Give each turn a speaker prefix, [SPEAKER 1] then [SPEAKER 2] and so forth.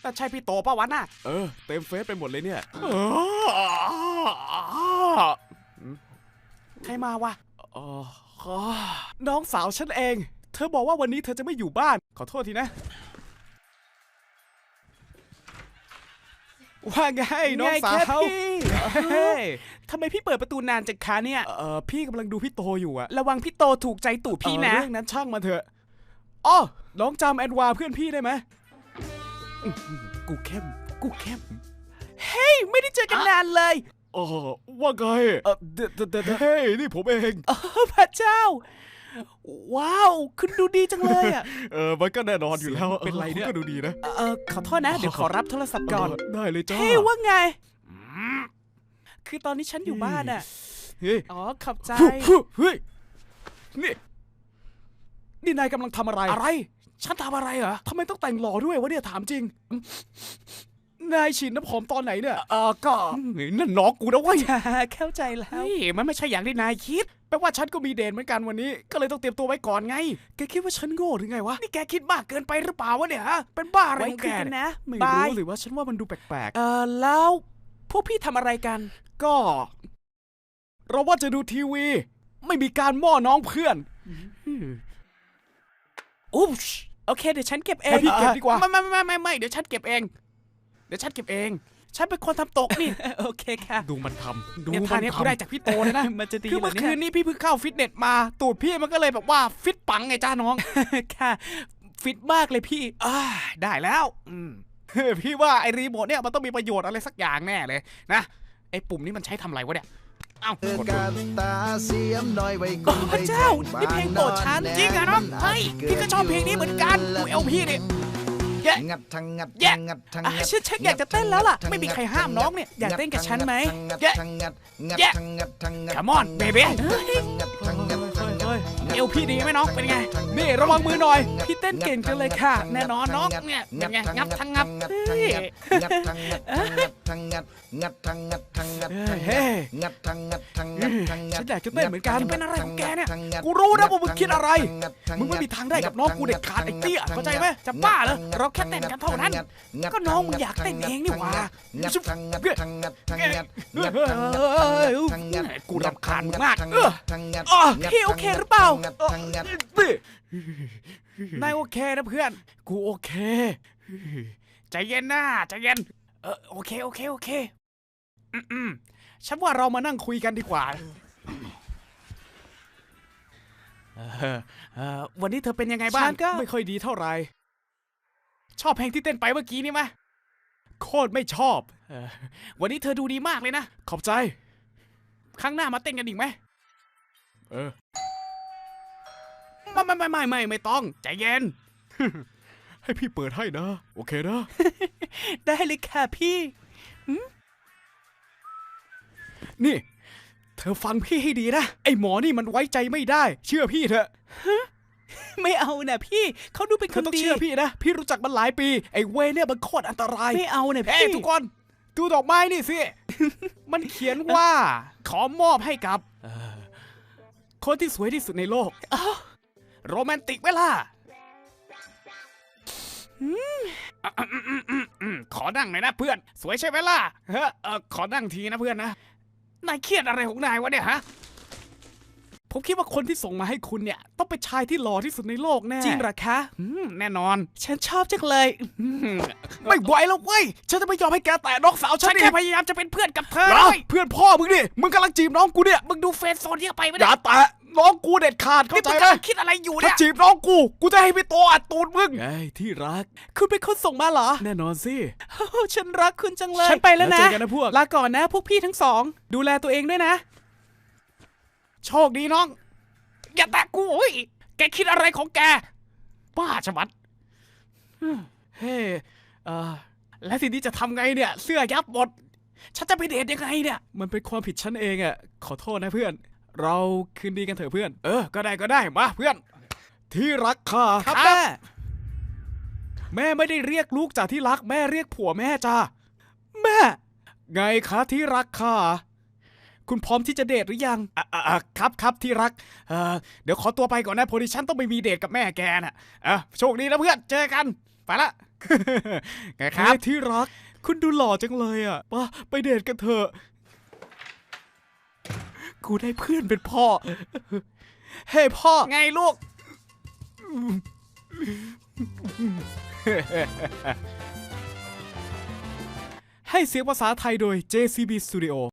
[SPEAKER 1] แต่ใช่พี่โตป่ะวะน่ะ
[SPEAKER 2] เต็มเฟซไปหมดเลยเนี่ย
[SPEAKER 1] ใครมาวะน้องสาวฉันเองเธอบอกว่าวันนี้เธอจะไม่อยู่บ้านขอโทษทีนะว่าไงน้องสาวทำไมพี่เปิดประตูนานจังคะเนี่ยพี่กำลังดูพี่โตอยู่อะระวังพี่โตถูกใจตู่พี่นะเรื่องนั้นช่างมาเถอะอ๋อน้องจำแอนวาเพื่อนพี่ได้ไหมกูเข้มเฮ้ยไม่ได้เจอกันนานเลย
[SPEAKER 2] ว่าไงเฮ้ยนี่ผมเอง
[SPEAKER 1] พระเจ้าว้าวคุณดูดีจังเลยอ่ะ
[SPEAKER 2] มันก็แน่นอนอยู่แล้วเป็นไรเนี่ยก็ดูดีนะ
[SPEAKER 1] ขอโทษนะเดี๋ยวขอรับโทรศัพท์ก่อน
[SPEAKER 2] ได้เลยจ้า
[SPEAKER 1] เฮ้ยว่าไงคือตอนนี้ฉันอยู่บ้านอ่ะขอบใจ
[SPEAKER 2] เฮ้ยนี่นายกำลังทำอะไร
[SPEAKER 1] ฉันทำอะไรเหรอ
[SPEAKER 2] ทำไมต้องแต่งหล่อด้วยวะเนี่ยถามจริงนายฉีดน้ำหอมตอนไหนเนี่ย
[SPEAKER 1] ก็
[SPEAKER 2] นั่นน้องกูนะเว้ย
[SPEAKER 1] เข้าใจแล้วมันไม่ใช่อย่างที่นายคิด
[SPEAKER 2] แปลว่าฉันก็มีเดทเหมือนกันวันนี้ก็เลยต้องเตรียมตัวไว้ก่อนไงแกคิดว่าฉันโง่หรือไงวะ
[SPEAKER 1] นี่แกคิดมากเกินไปหรือเปล่าวะเนี่ยเป็นบ้าอะไรของแก
[SPEAKER 2] นะไม่รู้หรือว่าฉันว่ามันดูแปลก
[SPEAKER 1] ๆแล้วพวกพี่ทำอะไรกัน
[SPEAKER 2] ก็เราว่าจะดูทีวีไม่มีการม่อน้องเพื่อน
[SPEAKER 1] อุ๊บโอเคเดี๋ยวฉันเก็บเอง
[SPEAKER 2] พี่เก็บดีกว่า
[SPEAKER 1] ไม่เดี๋ยวฉันเก็บเองฉันเป็นคนทำตกนี่โอเคค่ะ
[SPEAKER 2] ดูมันทำ
[SPEAKER 1] เนี่ยท่านี้กูได้จากพี่โตเลยนะ
[SPEAKER 2] มันจะดี
[SPEAKER 1] คือเมื่อคืนนี้พี่เพิ่งเข้าฟิตเนสมาตูดพี่มันก็เลยแบบว่าฟิตปังไงจ้าน้องค่ะฟิตมากเลยพี่ได้แล้วพี่ว่าไอ้รีโมทเนี่ยมันต้องมีประโยชน์อะไรสักอย่างแน่เลยนะไอ้ปุ่มนี้มันใช้ทำอะไรวะเนี่ยเอ้าพระเจ้านี่เพลงโปรดฉันจริงเหรอน้องเฮ้ยพี่ก็ชอบเพลงนี้เหมือนกันดูเอลพี่ดิงัดฉันอยากจะเต้นแล้วล่ะไม่มีใครห้ามน้องเนี่ยอยากเต้นกับฉันไหมCome on baby เอวพี่ดีไหมน้องเป็นไง
[SPEAKER 2] นี่ระวังมือหน่อย
[SPEAKER 1] พี่เต้นเก่งจังเลยค่ะแน่นอนน้องเนี่ยเป็นไงงับทั้งงับ
[SPEAKER 2] ฉันอยากจะเต้นเหมือนกัน
[SPEAKER 1] เป็นอะไรของแกเนี่ย
[SPEAKER 2] กูรู้นะว่ามึงคิดอะไรมึงไม่มีทางได้กับน้องกูเด็ดขาดไอ้เตี้ย
[SPEAKER 1] เข้าใจไหมจะบ้าเหรอเราแค่เต้นกันเท่านั้นก็น้องมึงอยากเต้นเองนี่หว่ากูรำคาญมากพี่โอเคหรือเปล่านายโอเคนะเพื่อน
[SPEAKER 2] กูโอเค
[SPEAKER 1] ใจเย็นนะใจเย็นโอเคฉันว่าเรามานั่งคุยกันดีกว่าวันนี้เธอเป็นยังไงบ้าง
[SPEAKER 2] ก็ไม่ค่อยดีเท่าไหร่
[SPEAKER 1] ชอบเพลงที่เต้นไปเมื่อกี้นี่ไหม
[SPEAKER 2] โคตรไม่ชอบ
[SPEAKER 1] วันนี้เธอดูดีมากเลยนะ
[SPEAKER 2] ขอบใจ
[SPEAKER 1] ครั้งหน้ามาเต้นกันอีกไหมไม่ต้องใจเย็น
[SPEAKER 2] ให้พี่เปิดให้นะโอเคนะ
[SPEAKER 1] ได้เลยค่ะพี่
[SPEAKER 2] นี่เธอฟังพี่ให้ดีนะไอ้หมอนี่มันไว้ใจไม่ได้เชื่อพี่เถอะ
[SPEAKER 1] ไม่เอานะพี่เขาดูเป็นคนดี
[SPEAKER 2] ต้องเชื่อพี่นะพี่รู้จักมันหลายปีไอ้เวเนี่ยมันโคตรอันตราย
[SPEAKER 1] ไม่เอานะพี่
[SPEAKER 2] ทุกคนดูดอกไม้นี่สิมันเขียนว่าขอมอบให้กับคนที่สวยที่สุดในโลก
[SPEAKER 1] โรแมนติกเวล่ะขอนั่งหน่อยนะเพื่อนสวยใช่ไหมล่ะขอนั่งทีนะเพื่อนนะนายเครียดอะไรของนายวะเนี่ยฮะ
[SPEAKER 2] ผมคิดว่าคนที่ส่งมาให้คุณเนี่ยต้องเป็นชายที่หล่อที่สุดในโลกแน่
[SPEAKER 1] จริงหรอคะ
[SPEAKER 2] แน่นอน
[SPEAKER 1] ฉันชอบจังเลย
[SPEAKER 2] ไม่ไหวแล้วเว้ยฉันจะไม่ยอมให้แกแตะน้องสาวฉัน
[SPEAKER 1] แค่พยายามจะเป็นเพื่อนกับเธอ
[SPEAKER 2] เพื่อนพ่อมึงดิมึงกำลังจีบน้องกูเนี่ย
[SPEAKER 1] มึงดูเฟซโซนที่ไปไม่
[SPEAKER 2] ได้อย่าแตะน้องกูเด็ดขาดเข้าใจไหม
[SPEAKER 1] คิดอะไรอยู่เนี่ย
[SPEAKER 2] ถ้าจีบน้องกูจะให้พี่โตอัดตูดมึง
[SPEAKER 1] ไอ้ที่รักคุณเป็นคนส่งมาเหรอ
[SPEAKER 2] แน่นอนสิ
[SPEAKER 1] ฉันรักคุณจังเลยฉันไปแล้วนะลาก่อนนะพวกพี่ทั้งสองดูแลตัวเองด้วยนะโชคดีน้องอย่าแตะกูโอ้ยแกคิดอะไรของแกบ้าชะมัด
[SPEAKER 2] เฮ้
[SPEAKER 1] แล้วทีนี้จะทำไงเนี่ยเสื้อยับหมดฉันจะไปเดทยังไงเนี่ย
[SPEAKER 2] มันเป็นความผิดฉันเองอ่ะขอโทษนะเพื่อนเราคืนดีกันเถอะเพื่อน
[SPEAKER 1] ก็ได้มาเพื่อน
[SPEAKER 2] ที่รักค่ะ
[SPEAKER 1] ครับ
[SPEAKER 2] แม่ไม่ได้เรียกลูกจากที่รักแม่เรียกผัวแม่จ้า
[SPEAKER 1] แม่
[SPEAKER 2] ไงคะที่รักค่ะคุณพร้อมที่จะเดทหรือยัง
[SPEAKER 1] ครับที่รักเดี๋ยวขอตัวไปก่อนนะพอดีฉันต้องไปมีเดทกับแม่แกน่ะโชคดีนะเพื่อนเจอกันไปละไงครับ
[SPEAKER 2] ที่รักคุณดูหล่อจังเลยอ่ะไปเดทกันเถอะกูได้เพื่อนเป็นพ่อเฮ้พ่อ
[SPEAKER 1] ไงลูก
[SPEAKER 2] ให้เสียงภาษาไทยโดย JCB Studio